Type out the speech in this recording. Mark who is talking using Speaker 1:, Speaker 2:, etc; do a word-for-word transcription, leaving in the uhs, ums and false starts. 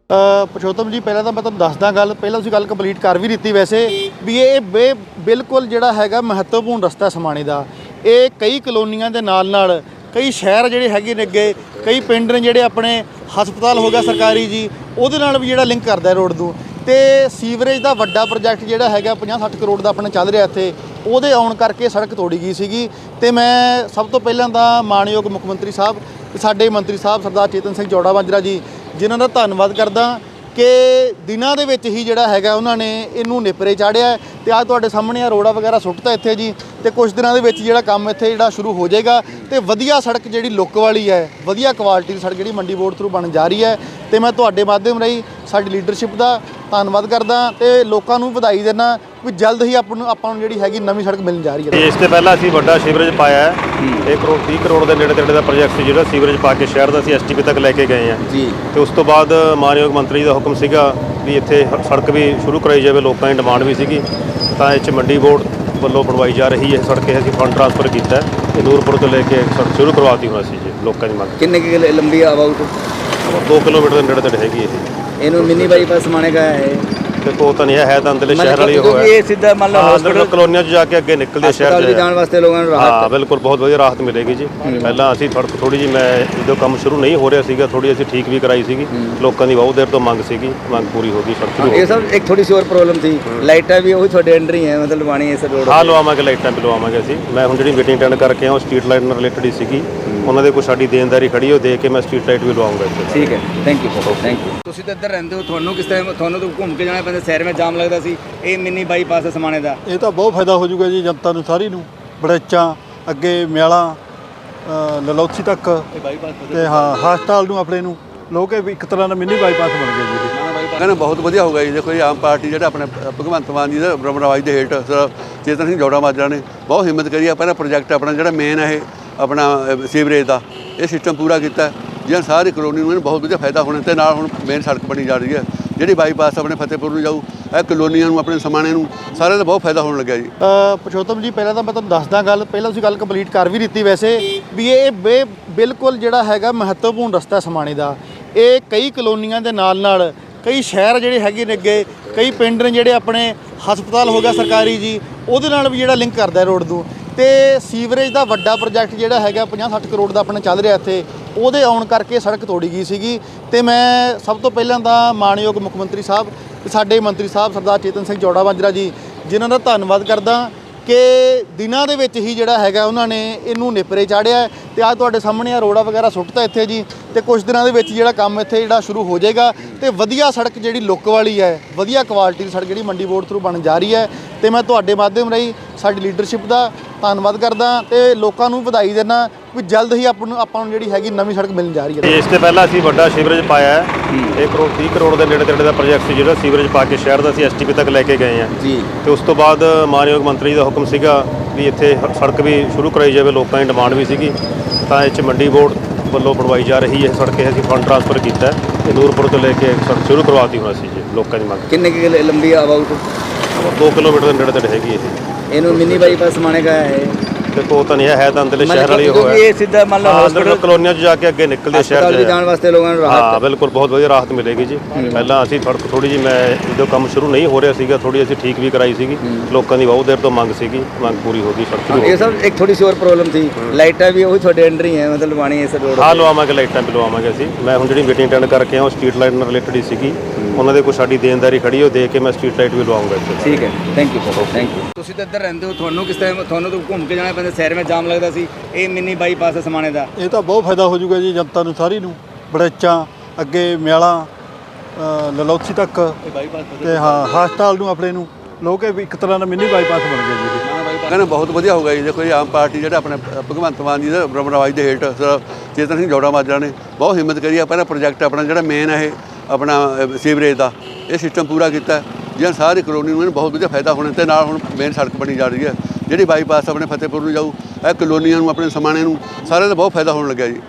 Speaker 1: पुरुषोत्तम जी पहले तो मैं तुहानूं दसदा गल पहले तुसीं गल कंप्लीट कर भी दी वैसे भी ये बे बिल्कुल जिहड़ा हैगा महत्वपूर्ण रस्ता समाणे दा। ये कई कलोनियां दे नाल नाल कई शहर जिहड़े हैगे ने अगे कई पिंड ने जिहड़े अपने हस्पताल हो गया सरकारी जी उहदे नाल भी जिहड़ा लिंक करदा रोड नूं ते सीवरेज दा वड्डा प्रोजैक्ट जिहड़ा हैगा पचास सठ करोड़ दा अपने चल रहा इत्थे ਉਹਦੇ ਆਉਣ ਕਰਕੇ ਸੜਕ ਤੋੜੀ ਗਈ ਸੀਗੀ ਤੇ ਮੈਂ ਸਭ ਤੋਂ ਪਹਿਲਾਂ ਤਾਂ ਮਾਨਯੋਗ ਮੁੱਖ ਮੰਤਰੀ ਸਾਹਿਬ ਤੇ ਸਾਡੇ ਮੰਤਰੀ ਸਾਹਿਬ ਸਰਦਾਰ ਚੇਤਨ ਸਿੰਘ ਜੌੜਾ ਮਾਜਰਾ ਜੀ ਜਿਨ੍ਹਾਂ ਦਾ ਧੰਨਵਾਦ ਕਰਦਾ ਕਿ ਦਿਨਾਂ ਦੇ ਵਿੱਚ ਹੀ ਜਿਹੜਾ ਹੈਗਾ ਉਹਨਾਂ ਨੇ ਇਹਨੂੰ ਨਿਪਰੇ ਚਾੜਿਆ ਤੇ ਅੱਜ ਤੁਹਾਡੇ ਸਾਹਮਣੇ ਆ ਰੋੜਾ ਵਗੈਰਾ ਸੁੱਟਤਾ ਇੱਥੇ ਜੀ ਤੇ ਕੁਝ ਦਿਨਾਂ ਦੇ ਵਿੱਚ ਜਿਹੜਾ ਕੰਮ ਇੱਥੇ ਜਿਹੜਾ ਸ਼ੁਰੂ ਹੋ ਜਾਏਗਾ ਤੇ ਵਧੀਆ ਸੜਕ ਜਿਹੜੀ ਲੁੱਕ ਵਾਲੀ ਹੈ ਵਧੀਆ ਕੁਆਲਿਟੀ ਦੀ ਸੜਕ ਜਿਹੜੀ ਮੰਡੀ ਬੋਰਡ ਥਰੂ ਬਣ ਜਾ ਰਹੀ ਹੈ ਤੇ ਮੈਂ ਤੁਹਾਡੇ ਮਾਧਿਅਮ ਰਾਹੀਂ ਸਾਡੀ ਲੀਡਰਸ਼ਿਪ ਦਾ ਧੰਨਵਾਦ ਕਰਦਾ ਤੇ ਲੋਕਾਂ ਨੂੰ ਵਧਾਈ ਦੇਣਾ ਵੀ ਜਲਦ ਹੀ ਆਪਾਂ ਨੂੰ ਆਪਾਂ ਨੂੰ ਜਿਹੜੀ ਹੈਗੀ ਨਵੀਂ ਸੜਕ ਮਿਲਣ ਜਾ ਰਹੀ ਹੈ।
Speaker 2: ਇਸ ਤੋਂ ਪਹਿਲਾਂ ਅਸੀਂ ਵੱਡਾ ਸੀਵਰੇਜ ਪਾਇਆ ਹੈ ਇੱਕ ਕਰੋੜ ਤੀਹ ਕਰੋੜ ਦੇ ਨੇੜੇ ਤੇੜੇ ਦਾ ਪ੍ਰੋਜੈਕਟ ਜਿਹੜਾ ਸੀਵਰੇਜ ਪਾ ਕੇ ਸ਼ਹਿਰ ਦਾ ਅਸੀਂ ਐਸ ਟੀ ਪੀ ਤੱਕ ਲੈ ਕੇ ਗਏ ਹਾਂ ਜੀ ਤੇ ਉਸ ਤੋਂ ਬਾਅਦ ਮਾਨਯੋਗ ਮੰਤਰੀ ਦਾ ਹੁਕਮ ਸੀਗਾ ਵੀ ਇੱਥੇ ਸੜਕ ਵੀ ਸ਼ੁਰੂ ਕਰਾਈ ਜਾਵੇ ਲੋਕਾਂ ਦੀ ਡਿਮਾਂਡ ਵੀ ਸੀਗੀ ਤਾਂ ਇਹ 'ਚ ਮੰਡੀ ਬੋਰਡ ਵੱਲੋਂ ਬਣਵਾਈ ਜਾ ਰਹੀ ਹੈ ਸੜਕ ਅਸੀਂ ਫੰਡ ਟ੍ਰਾਂਸਫਰ ਕੀਤਾ ਤੇ ਨੂਰਪੁਰ ਤੋਂ ਲੈ ਕੇ ਸੜਕ ਸ਼ੁਰੂ ਕਰਵਾਤੀ ਹੁਣ ਅਸੀਂ ਜੀ ਲੋਕਾਂ ਦੀ ਮੰਗ
Speaker 3: ਕਿੰਨੇ ਕਿ ਲੰਬੀ ਅਬਾਊਟ
Speaker 2: ਦੋ ਕਿਲੋਮੀਟਰ ਦੇ ਨੇੜੇ ਤੇੜੇ ਹੈਗੀ ਇਹ
Speaker 3: ਇਹਨੂੰ ਮਿੰਨੀ ਬਾਈਪਾਸ ਮਾਣੇ ਗਾ ਹੈ
Speaker 2: ਦੇਖੋ ਤਾਂ ਨਹੀਂ ਹੈ ਤਾਂ ਅੰਦਰਲੇ ਸ਼ਹਿਰ ਵਾਲੀ ਉਹ ਹੈ
Speaker 3: ਇਹ ਸਿੱਧਾ ਮੰਨ ਲਓ
Speaker 2: ਹਸਪਤਾਲ ਕਲੋਨੀਆਂ 'ਚ ਜਾ ਕੇ ਅੱਗੇ ਨਿਕਲਦੇ ਸ਼ਹਿਰ
Speaker 3: ਦੇ ਜਾਣ ਵਾਸਤੇ ਲੋਕਾਂ ਨੂੰ ਰਾਹਤ
Speaker 2: ਹਾਂ ਬਿਲਕੁਲ ਬਹੁਤ ਵਧੀਆ ਰਾਹਤ ਮਿਲੇਗੀ ਜੀ ਪਹਿਲਾਂ ਅਸੀਂ ਸੜਕ ਥੋੜੀ ਜਿਹੀ ਮੈਂ ਜਦੋਂ ਕੰਮ ਸ਼ੁਰੂ ਨਹੀਂ ਹੋ ਰਿਹਾ ਸੀਗਾ ਥੋੜੀ ਅਸੀਂ ਠੀਕ ਵੀ ਕਰਾਈ ਸੀਗੀ ਲੋਕਾਂ ਦੀ ਬਹੁਤ ਦੇਰ ਤੋਂ ਮੰਗ ਸੀਗੀ ਮੰਗ ਪੂਰੀ ਹੋ ਗਈ ਸੜਕ ਸ਼ੁਰੂ
Speaker 3: ਇਹ ਸਭ ਇੱਕ ਥੋੜੀ ਸੀ ਹੋਰ ਪ੍ਰੋਬਲਮ ਸੀ ਲਾਈਟਾਂ ਵੀ ਉਹੀ ਤੁਹਾਡੇ ਅੰਡਰ ਹੀ ਹੈ ਮਤਲਬ ਲਵਾਣੀ ਇਸ ਰੋਡ
Speaker 2: ਹਾਂ ਲਵਾਵਾਂਗੇ ਲਾਈਟਾਂ ਵੀ ਲਵਾਵਾਂਗੇ ਅਸੀਂ ਮੈਂ ਹੁਣ ਜਿਹੜੀ ਮੀਟਿੰਗ ਅਟੈਂਡ ਕਰਕੇ ਆ ਉਹ ਸਟਰੀਟ ਲਾਈਟ ਨਾਲ ਰਿਲੇਟਡ ਹੀ ਸੀਗੀ ਉਹਨਾਂ ਦੇ ਕੋਈ ਸਾਡੀ ਦੇਣਦਾਰੀ ਖੜੀ ਉਹ ਦੇ ਕੇ ਮੈਂ ਸਟਰੀਟ ਲਾਈਟ ਵੀ ਲਵਾਉਂਗਾ ਇੱਥੇ
Speaker 3: ਠੀਕ ਹੈ thank you sir thank you ਤੁਸੀਂ ਤਾਂ ਇੱਧਰ ਰਹਿੰਦੇ ਹੋ ਤੁਹਾਨੂੰ ਕਿਸ ਟਾਈਮ ਤੁਹਾਨੂੰ ਤਾਂ ਘੁੰਮ ਕੇ ਜਾਣਾ ਪੈਂਦਾ ਸ਼ਹਿਰ ਵਿੱਚ ਜਾਮ ਲੱਗਦਾ ਸੀ ਇਹ ਮਿੰਨੀ ਬਾਈਪਾਸ ਸਮਾਣੇ ਦਾ
Speaker 1: ਇਹ ਤਾਂ ਬਹੁਤ ਫਾਇਦਾ ਹੋ ਜਾਊਗਾ ਜੀ ਜਨਤਾ ਨੂੰ ਸਾਰੀ ਨੂੰ ਬੜੇਚਾਂ ਅੱਗੇ ਮਿਆਲਾ ਲਲੌਥੀ ਤੱਕ ਤੇ ਹਾਂ ਹਸਪਤਾਲ ਨੂੰ ਆਪਣੇ ਨੂੰ ਲੋਕ ਇੱਕ ਤਰ੍ਹਾਂ ਦਾ ਮਿੰਨੀ ਬਾਈਪਾਸ ਬਣ ਗਿਆ ਜੀ
Speaker 4: ਕਹਿੰਦਾ ਬਹੁਤ ਵਧੀਆ ਹੋਊਗਾ ਜੀ ਦੇਖੋ ਜੀ ਆਮ ਪਾਰਟੀ ਜਿਹੜਾ ਆਪਣੇ ਭਗਵੰਤ ਮਾਨ ਜੀ ਦਾ ਬ੍ਰਹਮਰਾਜ ਦੇ ਹੇਠ ਚੇਤਨ ਸਿੰਘ ਜੌੜਾ ਮਾਜਰਾ ਨੇ ਬਹੁਤ ਹਿੰਮਤ ਕਰੀ ਆ ਪਹਿਲਾਂ ਪ੍ਰੋਜੈਕਟ ਆਪਣਾ ਜਿਹੜਾ ਮੇਨ ਹੈ ਇਹ ਆਪਣਾ ਸੀਵਰੇਜ ਦਾ ਇਹ ਸਿਸਟਮ ਪੂਰਾ ਕੀਤਾ ਜਿਹਨਾਂ ਸਾਰੀ ਕਲੋਨੀ ਨੂੰ ਬਹੁਤ ਵਧੀਆ ਫਾਇਦਾ ਹੋਣਾ ਤੇ ਨਾਲ ਹੁਣ ਮੇਨ ਸੜਕ ਬਣੀ ਜਾ ਰਹੀ ਹੈ ਜਿਹੜੀ ਬਾਈਪਾਸ ਆਪਣੇ ਫਤਿਹਪੁਰ ਨੂੰ ਜਾਊ ਇਹ ਕਲੋਨੀਆਂ ਨੂੰ ਆਪਣੇ ਸਮਾਣੇ ਨੂੰ ਸਾਰਿਆਂ ਦਾ ਬਹੁਤ ਫਾਇਦਾ ਹੋਣ ਲੱਗਿਆ ਜੀ।
Speaker 1: ਪੁਰਸ਼ੋਤਮ ਜੀ ਪਹਿਲਾਂ ਤਾਂ ਮੈਂ ਤੁਹਾਨੂੰ ਦੱਸਦਾ ਗੱਲ ਪਹਿਲਾਂ ਤੁਸੀਂ ਗੱਲ ਕੰਪਲੀਟ ਕਰ ਵੀ ਦਿੱਤੀ ਵੈਸੇ ਵੀ ਇਹ ਬੇ ਬਿਲਕੁਲ ਜਿਹੜਾ ਹੈਗਾ ਮਹੱਤਵਪੂਰਨ ਰਸਤਾ ਸਮਾਣੇ ਦਾ। ਇਹ ਕਈ ਕਲੋਨੀਆਂ ਦੇ ਨਾਲ ਨਾਲ ਕਈ ਸ਼ਹਿਰ ਜਿਹੜੇ ਹੈਗੇ ਨੇ ਅੱਗੇ ਕਈ ਪਿੰਡ ਨੇ ਜਿਹੜੇ ਆਪਣੇ ਹਸਪਤਾਲ ਹੋ ਗਿਆ ਸਰਕਾਰੀ ਜੀ ਉਹਦੇ ਨਾਲ ਵੀ ਜਿਹੜਾ ਲਿੰਕ ਕਰਦਾ ਰੋਡ ਨੂੰ ਤੇ ਸੀਵਰੇਜ ਦਾ ਵੱਡਾ ਪ੍ਰੋਜੈਕਟ ਜਿਹੜਾ ਹੈਗਾ ਪਚਾਸ ਸੱਠ ਕਰੋੜ ਦਾ ਆਪਣੇ ਚੱਲ ਰਿਹਾ ਇੱਥੇ ਉਹਦੇ ਆਉਣ ਕਰਕੇ ਸੜਕ ਤੋੜੀ ਗਈ ਸੀਗੀ ਤੇ ਮੈਂ ਸਭ ਤੋਂ ਪਹਿਲਾਂ ਤਾਂ ਮਾਨਯੋਗ ਮੁੱਖ ਮੰਤਰੀ ਸਾਹਿਬ ਤੇ ਸਾਡੇ ਮੰਤਰੀ ਸਾਹਿਬ ਸਰਦਾਰ ਚੇਤਨ ਸਿੰਘ ਜੌੜਾ ਮਾਜਰਾ ਜੀ ਜਿਨ੍ਹਾਂ ਦਾ ਧੰਨਵਾਦ ਕਰਦਾ ਕਿ ਦਿਨਾਂ ਦੇ ਵਿੱਚ ਹੀ ਜਿਹੜਾ ਹੈਗਾ ਉਹਨਾਂ ਨੇ ਇਹਨੂੰ ਨਿਪਰੇ ਚਾੜਿਆ ਤੇ ਅੱਜ ਤੁਹਾਡੇ ਸਾਹਮਣੇ ਆ ਰੋੜਾ ਵਗੈਰਾ ਸੁੱਟਤਾ ਇੱਥੇ ਜੀ ਤੇ ਕੁਝ ਦਿਨਾਂ ਦੇ ਵਿੱਚ ਜਿਹੜਾ ਕੰਮ ਇੱਥੇ ਜਿਹੜਾ ਸ਼ੁਰੂ ਹੋ ਜਾਏਗਾ ਤੇ ਵਧੀਆ ਸੜਕ ਜਿਹੜੀ ਲੁੱਕ ਵਾਲੀ ਹੈ ਵਧੀਆ ਕੁਆਲਿਟੀ ਦੀ ਸੜਕ ਜਿਹੜੀ ਮੰਡੀ ਬੋਰਡ ਥਰੂ ਬਣ ਜਾ ਰਹੀ ਹੈ ਤੇ ਮੈਂ ਤੁਹਾਡੇ ਮਾਧਿਅਮ ਰਾਹੀਂ ਸਾਡੀ ਲੀਡਰਸ਼ਿਪ ਦਾ ਧੰਨਵਾਦ ਕਰਦਾ ਤੇ ਲੋਕਾਂ ਨੂੰ ਵਧਾਈ ਦੇਣਾ ਵੀ ਜਲਦ ਹੀ ਆਪਾਂ ਨੂੰ ਆਪਾਂ ਨੂੰ ਜਿਹੜੀ ਹੈਗੀ ਨਵੀਂ ਸੜਕ ਮਿਲਣ ਜਾ ਰਹੀ ਹੈ।
Speaker 2: ਇਸ ਤੋਂ ਪਹਿਲਾਂ ਅਸੀਂ ਵੱਡਾ ਸੀਵਰੇਜ ਪਾਇਆ ਹੈ ਇੱਕ ਕਰੋੜ ਤੀਹ ਕਰੋੜ ਦੇ ਨੇੜੇ ਤੇੜੇ ਦਾ ਪ੍ਰੋਜੈਕਟ ਜਿਹੜਾ ਸੀਵਰੇਜ ਪਾ ਕੇ ਸ਼ਹਿਰ ਦਾ ਅਸੀਂ ਐਸ ਟੀ ਪੀ ਤੱਕ ਲੈ ਕੇ ਗਏ ਹਾਂ ਜੀ ਤੇ ਉਸ ਤੋਂ ਬਾਅਦ ਮਾਨਯੋਗ ਮੰਤਰੀ ਦਾ ਹੁਕਮ ਸੀਗਾ ਵੀ ਇੱਥੇ ਸੜਕ ਵੀ ਸ਼ੁਰੂ ਕਰਾਈ ਜਾਵੇ ਲੋਕਾਂ ਦੀ ਡਿਮਾਂਡ ਵੀ ਸੀਗੀ ਤਾਂ ਇਹ 'ਚ ਮੰਡੀ ਬੋਰਡ ਵੱਲੋਂ ਬਣਵਾਈ ਜਾ ਰਹੀ ਹੈ ਸੜਕ ਅਸੀਂ ਫੰਡ ਟ੍ਰਾਂਸਫਰ ਕੀਤਾ ਤੇ ਨੂਰਪੁਰ ਤੋਂ ਲੈ ਕੇ ਸੜਕ ਸ਼ੁਰੂ ਕਰਵਾਤੀ ਹੁਣ ਅਸੀਂ ਜੀ ਲੋਕਾਂ ਦੀ ਮੰਗ
Speaker 3: ਕਿੰਨੇ ਕਿ ਲੰਬੀ ਅਬਾਊਟ
Speaker 2: ਦੋ ਕਿਲੋਮੀਟਰ ਦੇ ਨੇੜੇ ਤੇੜੇ ਹੈਗੀ ਇਹ
Speaker 3: ਇਹਨੂੰ ਮਿੰਨੀ ਬਾਈਪਾਸ ਮਾਣੇ ਗਾ ਹੈ
Speaker 2: ਦੇਖੋ ਤਾਂ ਨਹੀਂ ਹੈ ਤਾਂ ਅੰਦਰਲੇ ਸ਼ਹਿਰ ਵਾਲੀ ਉਹ ਹੈ
Speaker 3: ਇਹ ਸਿੱਧਾ ਮੰਨ ਲਓ
Speaker 2: ਹਸਪਤਾਲ ਕਲੋਨੀਆਂ 'ਚ ਜਾ ਕੇ ਅੱਗੇ ਨਿਕਲਦੇ ਸ਼ਹਿਰ
Speaker 3: ਦੇ ਜਾਣ ਵਾਸਤੇ ਲੋਕਾਂ ਨੂੰ ਰਾਹਤ
Speaker 2: ਹਾਂ ਬਿਲਕੁਲ ਬਹੁਤ ਵਧੀਆ ਰਾਹਤ ਮਿਲੇਗੀ ਜੀ ਪਹਿਲਾਂ ਅਸੀਂ ਸੜਕ ਥੋੜੀ ਜਿਹੀ ਮੈਂ ਜਦੋਂ ਕੰਮ ਸ਼ੁਰੂ ਨਹੀਂ ਹੋ ਰਿਹਾ ਸੀਗਾ ਥੋੜੀ ਅਸੀਂ ਠੀਕ ਵੀ ਕਰਾਈ ਸੀਗੀ ਲੋਕਾਂ ਦੀ ਬਹੁਤ ਦੇਰ ਤੋਂ ਮੰਗ ਸੀਗੀ ਮੰਗ ਪੂਰੀ ਹੋ ਗਈ ਸੜਕ ਸ਼ੁਰੂ
Speaker 3: ਇਹ ਸਭ ਇੱਕ ਥੋੜੀ ਸੀ ਹੋਰ ਪ੍ਰੋਬਲਮ ਸੀ ਲਾਈਟਾਂ ਵੀ ਉਹੀ ਤੁਹਾਡੇ ਅੰਡਰ ਹੀ ਹੈ ਮਤਲਬ ਲਵਾਣੀ ਇਸ ਰੋਡ
Speaker 2: ਹਾਂ ਲਵਾਵਾਂਗੇ ਲਾਈਟਾਂ ਵੀ ਲਵਾਵਾਂਗੇ ਅਸੀਂ ਮੈਂ ਹੁਣ ਜਿਹੜੀ ਮੀਟਿੰਗ ਅਟੈਂਡ ਕਰਕੇ ਆ ਉਹ ਸਟਰੀਟ ਲਾਈਟ ਨਾਲ ਰਿਲੇਟਡ ਹੀ ਸੀਗੀ ਉਹਨਾਂ ਦੇ ਕੋਈ ਸਾਡੀ ਦੇਣਦਾਰੀ ਖੜੀ ਉਹ ਦੇ ਕੇ ਮੈਂ ਸਟਰੀਟ ਲਾਈਟ ਵੀ ਲਵਾਉਂਗਾ ਇੱਥੇ
Speaker 3: ਠੀਕ ਹੈ thank you sir thank you ਤੁਸੀਂ ਤਾਂ ਇੱਧਰ ਰਹਿੰਦੇ ਹੋ ਤੁਹਾਨੂੰ ਕਿਸ ਟਾਈਮ ਤੁਹਾਨੂੰ ਤਾਂ ਘੁੰਮ ਕੇ ਜਾਣਾ ਪੈਂਦਾ ਸ਼ਹਿਰ ਵਿੱਚ ਜਾਮ ਲੱਗਦਾ ਸੀ ਇਹ ਮਿੰਨੀ ਬਾਈਪਾਸ ਸਮਾਣੇ ਦਾ
Speaker 1: ਇਹ ਤਾਂ ਬਹੁਤ ਫਾਇਦਾ ਹੋ ਜਾਊਗਾ ਜੀ ਜਨਤਾ ਨੂੰ ਸਾਰੀ ਨੂੰ ਬੜੇਚਾਂ ਅੱਗੇ ਮਿਆਲਾ ਲਲੌਥੀ ਤੱਕ ਤੇ ਹਾਂ ਹਸਪਤਾਲ ਨੂੰ ਆਪਣੇ ਨੂੰ ਲੋਕ ਇੱਕ ਤਰ੍ਹਾਂ ਦਾ ਮਿੰਨੀ ਬਾਈਪਾਸ ਬਣ ਗਿਆ ਜੀ
Speaker 4: ਕਹਿੰਦਾ ਬਹੁਤ ਵਧੀਆ ਹੋਊਗਾ ਜੀ ਦੇਖੋ ਜੀ ਆਮ ਪਾਰਟੀ ਜਿਹੜਾ ਆਪਣੇ ਭਗਵੰਤ ਮਾਨ ਜੀ ਦਾ ਬ੍ਰਹਮਰਾਜ ਦੇ ਹੇਠ ਚੇਤਨ ਸਿੰਘ ਜੌੜਾ ਮਾਜਰਾ ਨੇ ਬਹੁਤ ਹਿੰਮਤ ਕਰੀ ਆ ਪਹਿਲਾਂ ਪ੍ਰੋਜੈਕਟ ਆਪਣਾ ਜਿਹੜਾ ਮੇਨ ਹੈ ਇਹ ਆਪਣਾ ਸੀਵਰੇਜ ਦਾ ਇਹ ਸਿਸਟਮ ਪੂਰਾ ਕੀਤਾ ਜਿਹਨਾਂ ਸਾਰੀ ਕਲੋਨੀ ਨੂੰ ਬਹੁਤ ਵਧੀਆ ਫਾਇਦਾ ਹੋਣਾ ਤੇ ਨਾਲ ਹੁਣ ਮੇਨ ਸੜਕ ਬਣੀ ਜਾ ਰਹੀ ਹੈ ਜਿਹੜੀ ਬਾਈਪਾਸ ਆਪਣੇ ਫਤਿਹਪੁਰ ਨੂੰ ਜਾਊ ਇਹ ਕਲੋਨੀਆਂ ਨੂੰ ਆਪਣੇ ਸਮਾਣੇ ਨੂੰ ਸਾਰਿਆਂ ਦਾ ਬਹੁਤ ਫਾਇਦਾ ਹੋਣ ਲੱਗਿਆ ਜੀ।